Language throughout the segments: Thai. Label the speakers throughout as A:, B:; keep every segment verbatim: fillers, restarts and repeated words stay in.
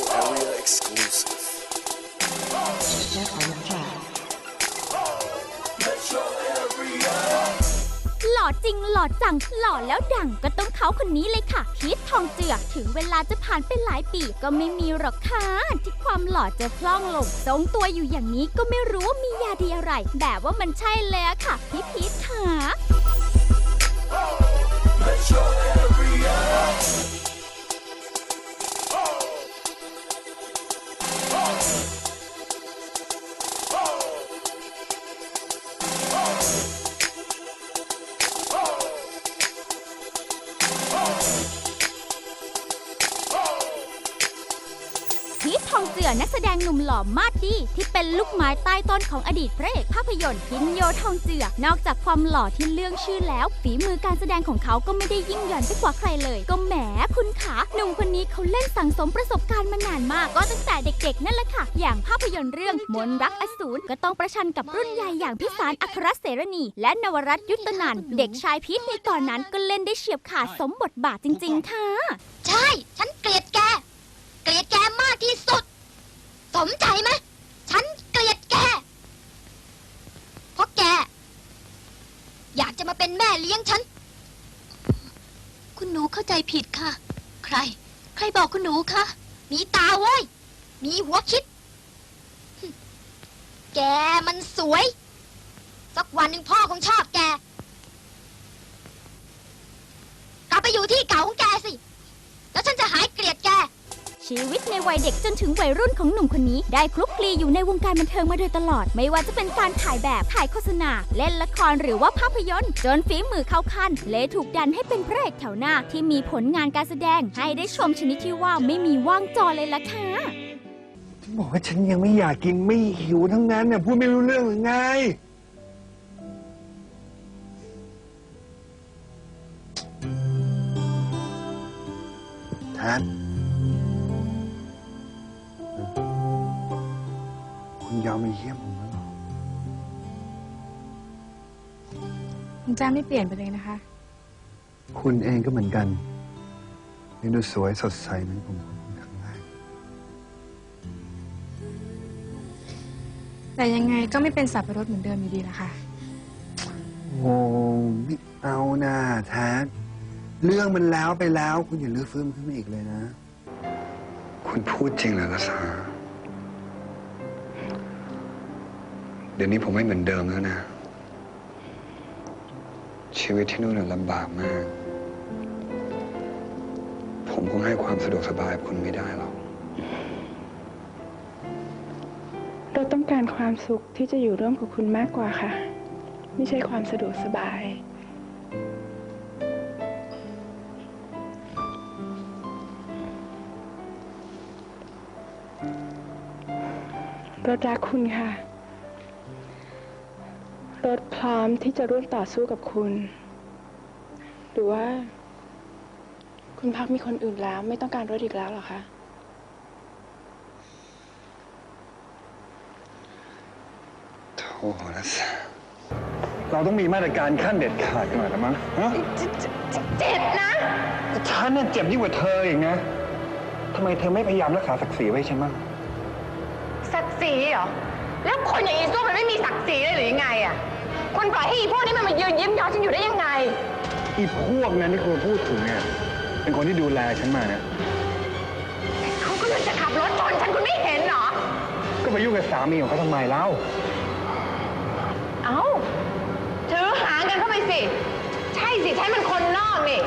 A: Area exclusive.
B: Step on the track.
C: หล่อจริงหล่อจังหล่อแล้วดังก็ต้องเขาคนนี้เลยค่ะพีททองเจือถึงเวลาจะผ่านไปหลายปีก็ไม่มีหรอกค่ะที่ความหล่อจะพล่องลงทรงตัวอยู่อย่างนี้ก็ไม่รู้ว่ามียาดีอะไรแบบว่ามันใช่เลยอะค่ะพี่พีทค่ะพีททองเจือนักแสดงหนุ่มหล่อมาดดีที่เป็นลูกไม้ใต้ต้นของอดีตพระเอกภาพยนตร์พินโยทองเจือนอกจากความหล่อที่เรื่องชื่อแล้วฝีมือการแสดงของเขาก็ไม่ได้ยิ่งหย่อนไปกว่าใครเลยก็แหมคุณขาหนุ่มคนนี้เขาเล่นสั่งสมประสบการณ์มานานมากก็ตั้งแต่เด็กๆนั่นแหละค่ะอย่างภาพยนตร์เรื่องมนต์รักอสูรก็ต้องประชันกับรุ่นใหญ่อย่างพิสารอัครเสรณีและนวรัตน์ยุตนันท์เด็กชายพีทในตอนนั้นก็เล่นได้เฉียบขาดสมบทบาทจริงๆค่ะ
D: ใช่ฉันเกลียดแกเกลียดแกมากที่สุดสมใจไหมฉันเกลียดแกเพราะแกอยากจะมาเป็นแม่เลี้ยงฉันคุณหนูเข้าใจผิดค่ะใครใครบอกคุณหนูคะมีตาเว้ยมีหัวคิดแกมันสวยสักวันหนึ่งพ่อคงชอบแกกลับไปอยู่ที่เก่าของแกสิแล้วฉันจะหายเกลียดแกชีวิตในวัยเด็กจนถึงวัยรุ่นของหนุ่มคนนี้ได้คลุกคลีอยู่ในวงการบันเทิงมาโดยตลอดไม่ว่าจะเป็นการถ่ายแบบถ่ายโฆษณาเล่นละครหรือว่าภาพยนตร์จนฝีมือเข้าขั้นเลยถูกดันให้เป็นพระเอกแถวหน้าที่มีผลงานการแสดงให้ได้ชมชนิดที่ว่าไม่มีว่างจอเลยล่ะค่ะ
E: บอกว่าฉันยังไม่อยากกินไม่หิวทั้งนั้นเนี่ยพูดไม่รู้เรื่องหรือไงแทนคุณยอมมาเยี่ยมผมแล้วเหรอ
F: คุณจ้าไม่เปลี่ยนไปเลยนะคะ
E: คุณเองก็เหมือนกันยังดูสวยสดใสเหมือนผมครั้งแรก
F: แต่ยังไงก็ไม่เป็นสับปะรดเหมือนเดิมอยู่ดีละค่ะ
E: โอ้ไม่เอานะแทนเรื่องมันแล้วไปแล้วคุณอย่าลื้อฟื้นขึ้นมาอีกเลยนะคุณพูดจริงเหรอละสาเดี๋ยวนี้ผมไม่เหมือนเดิมแล้วนะชีวิตที่นู่นลำบากมากผมคงให้ความสะดวกสบายคุณไม่ได้หรอก
F: เราต้องการความสุขที่จะอยู่ร่วมกับคุณมากกว่าค่ะไม่ใช่ความสะดวกสบายรถรักคุณค่ะรถพร้อมที่จะร่วมต่อสู้กับคุณหรือว่าคุณพักมีคนอื่นแล้วไม่ต้องการรถอีกแล้วหรอคะ
E: โธ่ละสาเราต้องมีมาตรการขั้นเด็ดขาดกันหน่อยละมั้งฮะ
D: เจ็บนะ
E: ฉันน่ะเจ็บยิ่งกว่าเธออีกนะทำไมเธอไม่พยายามรักษาศักดิ์ศรีไว้ฉันบ้าง
D: ศักดิ์ศรีเหรอแล้วคนอย่างอีส้วมมันไม่มีศักดิ์ศรีเลยหรือยังไงอ่ะคุณปล่อยให้อีพวกนี้มันมายืนยิ้มย้อฉันอยู่ได้ยังไง
E: อีพวกนั้นที่คุณพูดถึงเนี่ยเป็นคนที่ดูแลฉันมาเนี่ย
D: เขาก็เลยจะขับรถชนฉันคุณไม่เห็นเหรอ
E: ก็ไปยุ่งกับสามีของเขาทำไมเล่า
D: เอ้าถือหางกันเข้าไปสิใช่สิใช่มันคนนอกนี่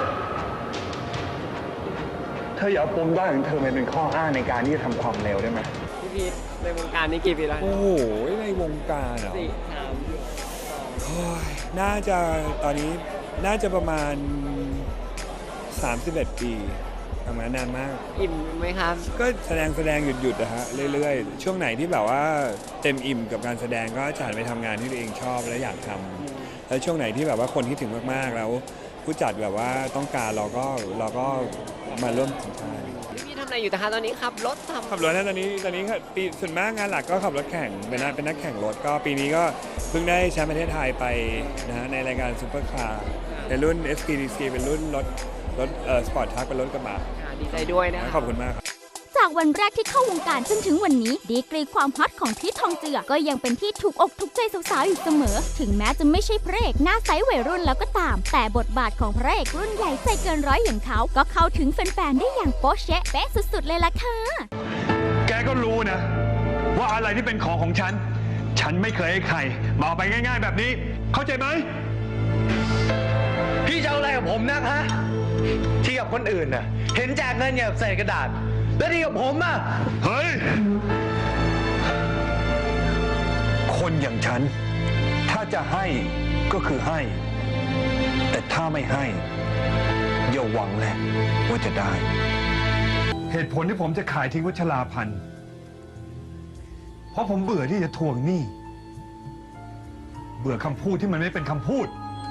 E: เธออย่าเอาปมด้อยของเธอมาเป็นข้ออ้างในการที่จะทำความเร็วได้ไหม
G: พี่พีทในวงการนี้กี่ปีแล้ว
H: โอ้โหในวงการเหรอ
G: สี่สาม
H: โอ้ยน่าจะตอนนี้น่าจะประมาณสามสิบเอ็ดปีทำงานนานมาก
G: อิ่มไหมครับ
H: ก็แสดงแสดงหยุดหยุดนะฮะเรื่อยๆช่วงไหนที่แบบว่าเต็มอิ่มกับการแสดงก็จะหันไปทำงานที่ตัวเองชอบและอยากทำแล้วช่วงไหนที่แบบว่าคนคิดถึงมากๆแล้วผู้จัดแบบว่าต้องการเราก็เราก็มาร่วมทำงาน
G: พี่ทำอะไรอยู่แต่คะตอนนี้ขับรถทำ
H: ขับรถนะตอนนี้ตอนนี้ปีส่วนมากงานหลักก็ขับรถแข่งเป็นนักเป็นนักแข่งรถก็ปีนี้ก็เพิ่งได้แชมป์ประเทศไทยไปนะฮะในรายการซุปเปอร์คาร์ในรุ่น เอส พี ดี ซี เป็นรุ่นรถรถเอ่อสปอร์ตทรัคเป็นรถกระบะ
G: ดีใจด้วยนะ
H: ขอบคุณมากครับ
C: จจากวันแรกที่เข้าวงการจนถึงวันนี้ดีกรีความฮอตของพีททองเจือก็ยังเป็นที่ถูกอกถูกใจสาวๆอยู่เสมอถึงแม้จะไม่ใช่พระเอกหน้าใสวัยรุ่นแล้วก็ตามแต่บทบาทของพระเอกรุ่นใหญ่ใจเกินร้อยอย่างเขาก็เข้าถึงแฟนๆได้อย่างโป๊ะเช๊ะเป๊ะสุดๆเลยล่ะค่ะ
A: แกก็รู้นะ ว่าอะไรที่เป็นของของฉัน ฉันไม่เคยให้ใครมาเอาไปง่ายๆแบบนี้ เข้าใจไหม
I: พี่จะเอาอะไรกับผมนักฮะ ที่กับคนอื่นน่ะ เห็นแจกเงินอย่างใส่กระดาษ แล้วที่กับผมอ่ะ
A: เฮ้ย คนอย่างฉัน ถ้าจะให้ก็คือให้ แต่ถ้าไม่ให้ อย่าหวังแหละว่าจะได้ เหตุผลที่ผมจะขายทิ้งวัชราพันธ์เพราะผมเบื่อที่จะทวงหนี้ เบื่อคำพูดที่มันไม่เป็นคำพูด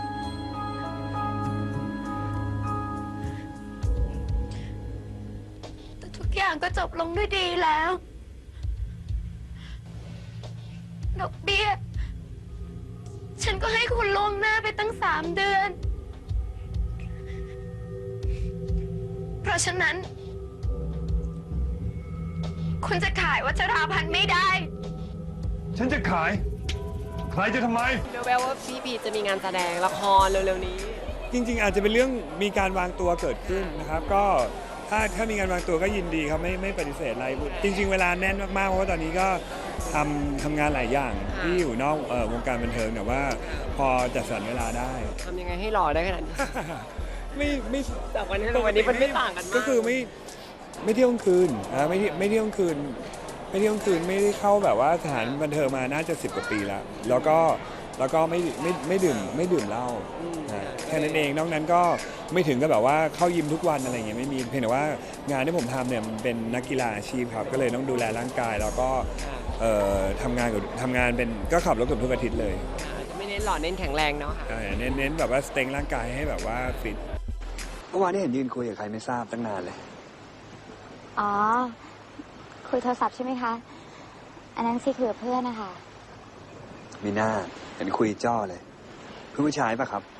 F: แต่ทุกอย่างก็จบลงด้วยดีแล้วดอกเบี้ย ฉันก็ให้คุณล่วงหน้าไปตั้งสามเดือน เพราะฉะนั้น คุณจะขายวัชราพันธ์ไม่ได้
A: ฉันจะขาย ใครจะทำไม
G: เดี๋ยวแววว่าพี่พีจะมีงานแสดงละครเร็วๆนี้
H: จริงๆอาจจะเป็นเรื่องมีการวางตัวเกิดขึ้นนะครับก็ถ้าถ้ามีการวางตัวก็ยินดีครับไม่ไม่ปฏิเสธอะไรจริง ๆ เวลาแน่นมากๆเพราะว่าตอนนี้ก็ทำทำงานหลายอย่างที่อยู่นอกเอ่อวงการบันเทิงแต่ว่าพอจัดสรรเวลาได้
G: ทำยังไงให้หล่อได้ขนาดนี้
H: ไม่ไม่
G: จากวันนี้ถึงวันนี้มันไม่ต่างกันมาก
H: ก็คือไม่ไม่เที่ยวกลางคืนนะไม่ไม่เที่ยวกลางคืนไม่เที่ยวกลางคืนไม่ได้เข้าแบบว่าสถานบันเทิงมาน่าจะสิบกว่าปีแล้วแล้วก็แล้วก็ไม่ไม่ไม่ดื่มไม่ดื่มเหล้านะแค่นั้นเองนอกนั้นก็ไม่ถึงกับแบบว่าเข้ายิมทุกวันอะไรอย่างเงี้ยไม่มีเพียงแต่ว่างานที่ผมทำเนี่ยมันเป็นนักกีฬาอาชีพครับก็เลยต้องดูแลร่างกายแล้วก็เอ่อทำงานกับทำงานเป็นก็ขับรถเกือบทุกอาทิตย์เลย
G: ไม่เน้นหล่อเน้นแข็งแรงเนาะค่ะ
H: เออเน้นเน้นแบบว่าสเต็งร่างกายให้แบบว่าฟิต
E: เมื่อวานนี้เห็นยืนคุยกับใครไม่ทราบตั้งนานเลย
D: อ๋อ คุยโทรศัพท์ใช่ไหมคะ อันนั้นสิคุยกับเพื่อนนะคะ
E: มีหน้าเห็นคุยจ้อเลยเพื่อนผู้ชายปะครับ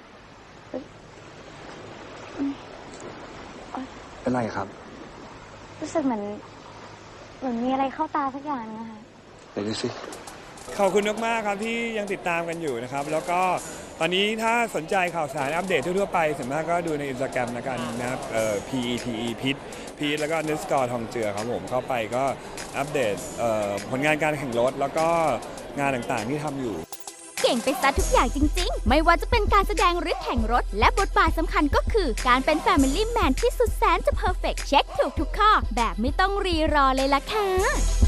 E: เป็นไรครับ
D: รู้สึกเหมือนเหมือนมีอะไรเข้าตาสักอย่างนึงนะคะ
E: ไปดูสิ
H: ขอบคุณมากๆครับที่ยังติดตามกันอยู่นะครับแล้วก็ตอนนี้ถ้าสนใจข่าวสารอัปเดตทั่วๆไปส่วนมากก็ดูในอินสตาแกรมแล้วกันนะครับเอ่อ พี อี ที อี พิทพีทแล้วก็เนสกอร์ทองเจือครับผมเข้าไปก็อัปเดตเอ่อผลงานการแข่งรถแล้วก็งานต่างๆที่ทำอยู่
C: เก่งไปซะทุกอย่างจริงๆ ไม่ว่าจะเป็นการแสดงหรือแข่งรถ และบทบาทสำคัญก็คือ การเป็น Family Man ที่สุดแสนจะเพอร์เฟกต์เช็คถูกทุกข้อ แบบไม่ต้องรีรอเลยล่ะค่ะ